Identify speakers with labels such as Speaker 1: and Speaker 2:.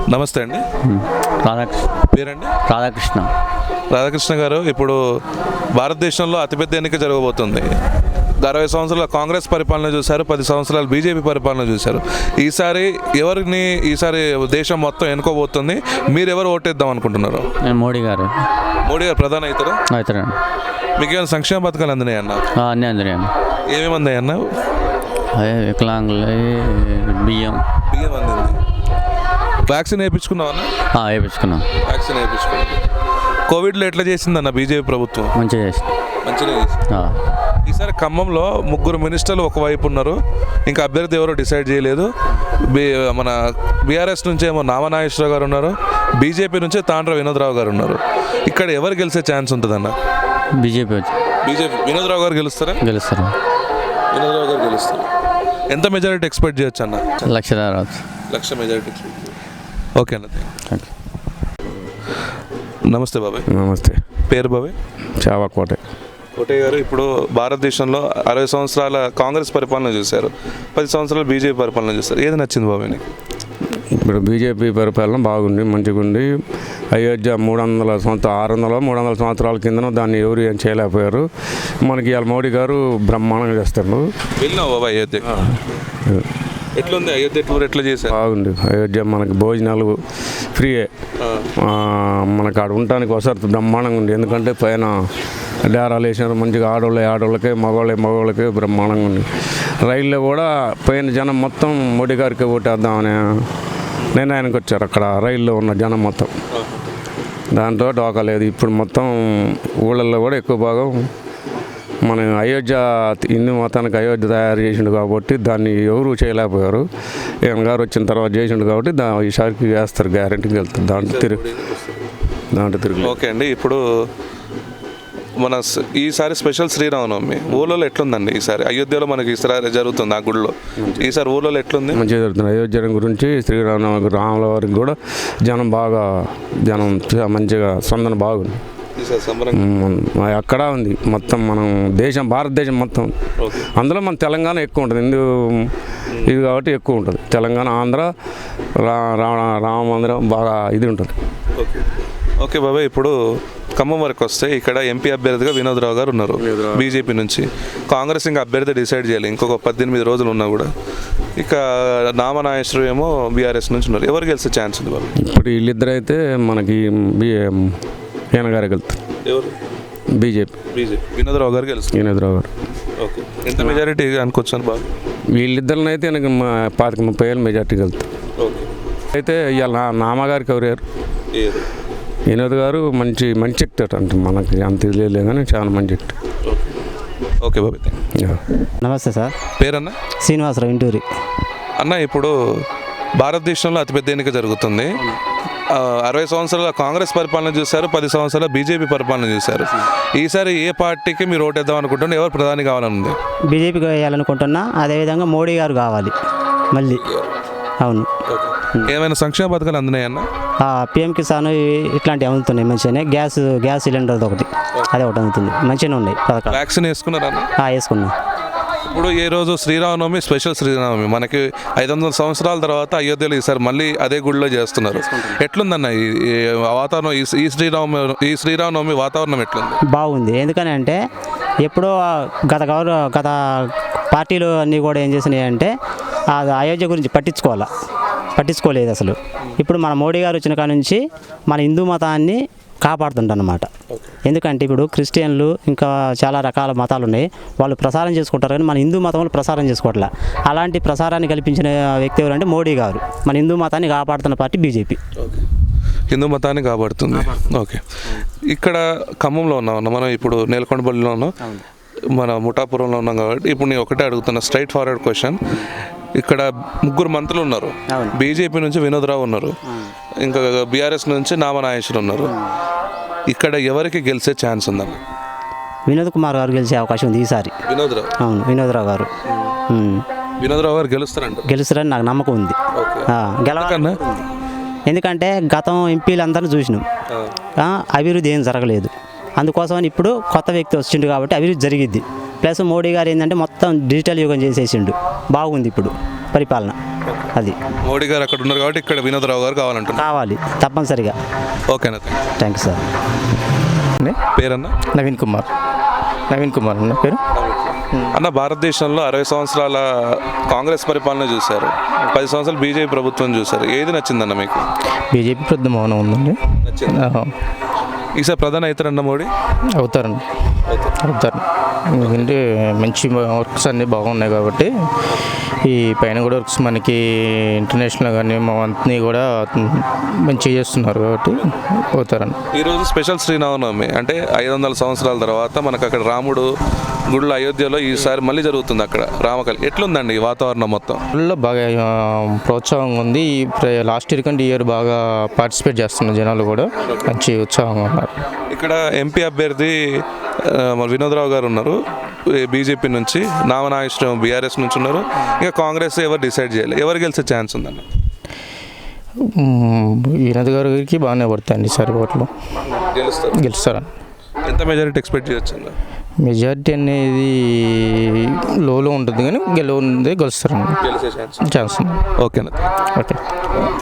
Speaker 1: నమస్తే అండి.
Speaker 2: రాధాకృష్ణ.
Speaker 1: పేరండి?
Speaker 2: రాధాకృష్ణ.
Speaker 1: రాధాకృష్ణ గారు, ఇప్పుడు భారతదేశంలో అతిపెద్ద ఎన్నిక జరగబోతుంది. 60 సంవత్సరాల కాంగ్రెస్ పరిపాలన చూశారు, 10 సంవత్సరాలు బీజేపీ పరిపాలన చూశారు. ఈసారి దేశం మొత్తం ఎన్నుకోబోతుంది. మీరు ఎవరు ఓటేద్దాం అనుకుంటున్నారు?
Speaker 2: నేను మోడీ గారు
Speaker 1: ప్రధాని అవుతారా?
Speaker 2: అవుతారండి.
Speaker 1: మీకు ఏమైనా సంక్షేమ పథకాలు అందినాయి అన్న?
Speaker 2: అన్నీ అందరియండి.
Speaker 1: ఏమేమి అందాయి అన్న?
Speaker 2: అదే వికలాంగులు, బియ్యం
Speaker 1: అందింది. వ్యాక్సిన్ వేయించుకున్నావు అన్న?
Speaker 2: వేయించుకున్నాం.
Speaker 1: వ్యాక్సిన్ వేయించుకున్నాం. కోవిడ్లో ఎట్లా చేసిందన్న బీజేపీ ప్రభుత్వం?
Speaker 2: మంచిగా చేసింది.
Speaker 1: మంచిగా చేసింది. ఈసారి ఖమ్మంలో 3 మినిస్టర్లు ఒకవైపు ఉన్నారు, ఇంకా అభ్యర్థి ఎవరో డిసైడ్ చేయలేదు. మన బీఆర్ఎస్ నుంచి ఏమో నామనాగేశ్వరరావు గారు ఉన్నారు, బీజేపీ నుంచి తాండ్ర వినోద్రావు గారు ఉన్నారు. ఇక్కడ ఎవరు గెలిచే ఛాన్స్ ఉంటుందన్న?
Speaker 2: బీజేపీ
Speaker 1: వినోద్రావు గారు గెలుస్తారు. వినోద్రావు గారు గెలుస్తారు. ఎంత మెజారిటీ ఎక్స్పెక్ట్ చేయొచ్చు అన్న?
Speaker 2: 1,00,000
Speaker 1: మెజారిటీ. ఓకే అన్న. నమస్తే బాబాయ్.
Speaker 3: నమస్తే.
Speaker 1: పేరు బాబాయ్? కోటయ్య గారు, ఇప్పుడు భారతదేశంలో 60 సంవత్సరాల కాంగ్రెస్ పరిపాలన చూశారు, 10 సంవత్సరాలు బీజేపీ పరిపాలన చూస్తారు. ఏది నచ్చింది బాబాయ్ నీకు?
Speaker 3: ఇప్పుడు బీజేపీ పరిపాలన బాగుంది, మంచిగా ఉంది. అయోధ్య 300 సంవత్సరాల కిందనో దాన్ని ఎవరు ఏం చేయలేకపోయారు. మనకి ఇవాళ మోడీ గారు బ్రహ్మాండంగా చేస్తారు.
Speaker 1: వెళ్ళినావు బాబాయ్ అయోధ్య? ఎట్లుంది అయోధ్య టూర్? ఎట్లా చేశారు?
Speaker 3: బాగుంది. అయోధ్య మనకి భోజనాలు ఫ్రీయే, మనకు ఆడ ఉండటానికి వసతి బ్రహ్మాండంగా ఉంది. ఎందుకంటే పైన డేరాలు వేసినారు, మంచిగా ఆడవాళ్ళకి మగవాళ్ళకి బ్రహ్మాండంగా ఉంది. రైల్లో కూడా పైన జనం మొత్తం మోడీ గారికి ఓటేద్దామని నిర్ణయానికి వచ్చారు. అక్కడ రైల్లో ఉన్న జనం మొత్తం, దాంట్లో డోకా లేదు. ఇప్పుడు మొత్తం ఊళ్ళల్లో కూడా ఎక్కువ భాగం మన అయోధ్య, హిందూ మతానికి అయోధ్య తయారు చేసిండు కాబట్టి దాన్ని ఎవరు చేయలేకపోయారు. ఈయన గారు వచ్చిన తర్వాత చేసిండు కాబట్టి ఈసారికి వేస్తారు, గ్యారెంటీకి వెళ్తారు. దాంట్లో తిరుగు.
Speaker 1: ఓకే అండి. ఇప్పుడు మన ఈసారి స్పెషల్ శ్రీరామనవమి ఊళ్ళో ఎట్లుందండి? ఈసారి అయోధ్యలో మనకి ఈసారి జరుగుతుంది, ఆ గుడిలో ఈసారి ఊళ్ళో ఎట్లుంది?
Speaker 3: మంచిగా జరుగుతుంది. అయోధ్య గురించి శ్రీరామనవమి, రాముల వారికి కూడా జనం మంచిగా స్పందన బాగుంది. అక్కడ ఉంది మొత్తం మనం భారతదేశం మొత్తం. అందులో మన తెలంగాణ ఎక్కువ ఉంటుంది, ఇది కాబట్టి ఎక్కువ ఉంటుంది. తెలంగాణ, ఆంధ్ర, రామ మందిరం బాగా ఇది ఉంటుంది.
Speaker 1: ఓకే బాబాయ్, ఇప్పుడు ఖమ్మం వరకు వస్తే ఇక్కడ ఎంపీ అభ్యర్థిగా వినోద్రావు గారు ఉన్నారు బీజేపీ నుంచి. కాంగ్రెస్ ఇంకా అభ్యర్థి డిసైడ్ చేయాలి, ఇంకొక 18 రోజులు ఉన్నా కూడా. ఇక నామనాగేశ్వరరావు ఏమో బీఆర్ఎస్ నుంచి ఉన్నారు. ఎవరు గెలిచే ఛాన్స్ ఉంది బాబు?
Speaker 3: ఇప్పుడు వీళ్ళిద్దరు అయితే మనకి ఈయన గారు వెళ్తారు.
Speaker 1: ఎవరు?
Speaker 3: బీజేపీ.
Speaker 1: వినోద్రావు గారు గెలుస్తారు.
Speaker 3: వినోద్రావు గారు.
Speaker 1: ఓకే. ఎంత మెజారిటీ అనుకోవచ్చు బాబు?
Speaker 3: వీళ్ళిద్దరిని అయితే నాకు 25-30 మెజార్టీ వెళ్తారు.
Speaker 1: ఓకే.
Speaker 3: అయితే ఇవాళ నామగారికి ఎవరు? వినోద్ గారు మంచి ఎక్టర్ అంటే మనకి అంత తెలియలే కానీ చాలా మంచి ఎక్టర్.
Speaker 1: ఓకే బాబు.
Speaker 2: నమస్తే సార్.
Speaker 1: పేరన్నా?
Speaker 2: శ్రీనివాసరావు, ఇంటూరి.
Speaker 1: అన్న, ఇప్పుడు భారతదేశంలో అతిపెద్ద ఎన్నిక జరుగుతుంది. 60 సంవత్సరాల కాంగ్రెస్ పరిపాలన చూశారు, 10 సంవత్సరాల బీజేపీ పరిపాలన చూశారు. ఈసారి ఏ పార్టీకి మీరు ఓటేద్దాం అనుకుంటున్నారు? ఎవరు ప్రధాని కావాలని ఉంది?
Speaker 2: బీజేపీకి వేయాలనుకుంటున్నా. అదేవిధంగా మోడీ గారు కావాలి మళ్ళీ. అవును.
Speaker 1: ఏమైనా సంక్షేమ పథకాలు అందినాయన్న?
Speaker 2: పిఎం కిసాన్ ఇట్లాంటివి అందుతున్నాయి మంచిగానే. గ్యాస్ సిలిండర్ ఒకటి, అదే ఒకటి అందుతుంది, మంచిగానే ఉన్నాయి పథకాలు.
Speaker 1: వ్యాక్సిన్ వేసుకున్నారా?
Speaker 2: వేసుకున్నా.
Speaker 1: ఇప్పుడు ఈ రోజు శ్రీరామనవమి, స్పెషల్ శ్రీరామనవమి. మనకి 500 సంవత్సరాల తర్వాత అయోధ్యలో ఈసారి మళ్ళీ అదే గుడిలో చేస్తున్నారు. ఎట్లుందన్న ఈ వాతావరణం? ఈ శ్రీరామనవమి వాతావరణం ఎట్లుంది?
Speaker 2: బాగుంది. ఎందుకని అంటే ఎప్పుడో గత పార్టీలు అన్నీ కూడా ఏం చేసినాయి అంటే అయోధ్య గురించి పట్టించుకోలేదు అసలు. ఇప్పుడు మన మోడీ గారు వచ్చిన కాడ నుంచి మన హిందూ మతాన్ని కాపాడుతుంటన్నమాట. ఎందుకంటే ఇప్పుడు క్రిస్టియన్లు ఇంకా చాలా రకాల మతాలు ఉన్నాయి, వాళ్ళు ప్రసారం చేసుకుంటారు కానీ మన హిందూ మతంలో ప్రసారం చేసుకోవట్లే. అలాంటి ప్రసారాన్ని కల్పించిన వ్యక్తి ఎవరంటే మోడీ గారు. మన హిందూ మతాన్ని కాపాడుతున్న పార్టీ బీజేపీ.
Speaker 1: హిందూ మతాన్ని కాపాడుతుంది. ఓకే. ఇక్కడ ఖమ్మంలో ఉన్నాం మనం, ఇప్పుడు నేలకొండపల్లిలో ఉన్నాం, మన ముఠాపురంలో ఉన్నాం కాబట్టి ఇప్పుడు నేను ఒకటే అడుగుతున్నా, స్ట్రైట్ ఫార్వర్డ్ క్వశ్చన్. ఇక్కడ 3 మంత్రులు ఉన్నారు. బీజేపీ నుంచి వినోద్రావు ఉన్నారు, ఇంకా బీఆర్ఎస్ నుంచి నామనాగేశ్వరరావు ఉన్నారు. ఇక్కడ ఎవరికి గెలిచే ఛాన్స్ ఉందన్న?
Speaker 2: వినోద్ కుమార్ గారు గెలిచే అవకాశం ఉంది ఈసారి. అవును, వినోద్రావు గారు.
Speaker 1: వినోద్రావు గారు
Speaker 2: గెలుస్తారని నాకు నమ్మకం ఉంది. గెలవకన్నా ఎందుకంటే గతం ఎంపీలందరినీ చూసినాం, అభివృద్ధి ఏం జరగలేదు. అందుకోసమని ఇప్పుడు కొత్త వ్యక్తి వచ్చిండు కాబట్టి అభివృద్ధి జరిగిద్ది. ప్లస్ మోడీ గారు ఏంటంటే మొత్తం డిజిటల్ యుగం చేసేసిండు, బాగుంది ఇప్పుడు. పరిపాలన. అది
Speaker 1: మోడీ గారు అక్కడ ఉన్నారు కాబట్టి ఇక్కడ వినోదరావు గారు కావాలంటున్నారు.
Speaker 2: కావాలి తప్పనిసరిగా.
Speaker 1: ఓకేనా?
Speaker 2: Thank you sir.
Speaker 1: పేరన్నా?
Speaker 4: నవీన్ కుమార్ అన్న పేరు.
Speaker 1: అన్న, భారతదేశంలో 60 సంవత్సరాల కాంగ్రెస్ పరిపాలన చూశారు, 10 సంవత్సరాలు బీజేపీ ప్రభుత్వం చూశారు. ఏది నచ్చిందన్న మీకు?
Speaker 4: బీజేపీ పెద్ద మౌనం ఉందండి.
Speaker 1: ఈసారి ప్రధాని అవుతారన్న మోడీ?
Speaker 4: అవుతారు ఎందుకంటే మంచి వర్క్స్ అన్నీ బాగున్నాయి కాబట్టి ఈ పైన కూడా వర్క్స్ మనకి ఇంటర్నేషనల్ కానీ మా అన్నీ కూడా మంచిగా చేస్తున్నారు కాబట్టి అవుతారండి.
Speaker 1: ఈరోజు స్పెషల్ శ్రీరామనవమి అంటే 500 సంవత్సరాల తర్వాత మనకు అక్కడ రాముడు గుడిలో అయోధ్యలో ఈసారి మళ్ళీ జరుగుతుంది అక్కడ రామకల్. ఎట్లుందండి ఈ వాతావరణం మొత్తం?
Speaker 4: ఊళ్ళో బాగా ప్రోత్సాహంగా ఉంది. లాస్ట్ ఇయర్ కంటే ఈ ఇయర్ బాగా పార్టిసిపేట్ చేస్తున్నారు జనాలు కూడా, మంచి ఉత్సాహంగా ఉన్నారు.
Speaker 1: ఇక్కడ ఎంపీ అభ్యర్థి మన వినోదరావు గారు ఉన్నారు బీజేపీ నుంచి, నామనాగేశ్వరం బీఆర్ఎస్ నుంచి ఉన్నారు. ఇంకా కాంగ్రెస్ ఎవరు డిసైడ్ చేయాలి, ఎవరు గెలిచే ఛాన్స్ ఉందన్న?
Speaker 4: వినోద్ గారికి బాగానే పడతాయండి ఈసారి ఓట్లు. గెలుస్తారని.
Speaker 1: ఎంత మెజారిటీ ఎక్స్పెక్ట్ చేయొచ్చు?
Speaker 4: మెజారిటీ అనేది లోలో ఉంటుంది కానీ గెలుస్తారండి.
Speaker 1: గెలిచే ఛాన్స్
Speaker 4: ఛాన్స్ ఉంది.
Speaker 1: ఓకేనా?
Speaker 4: ఓకే.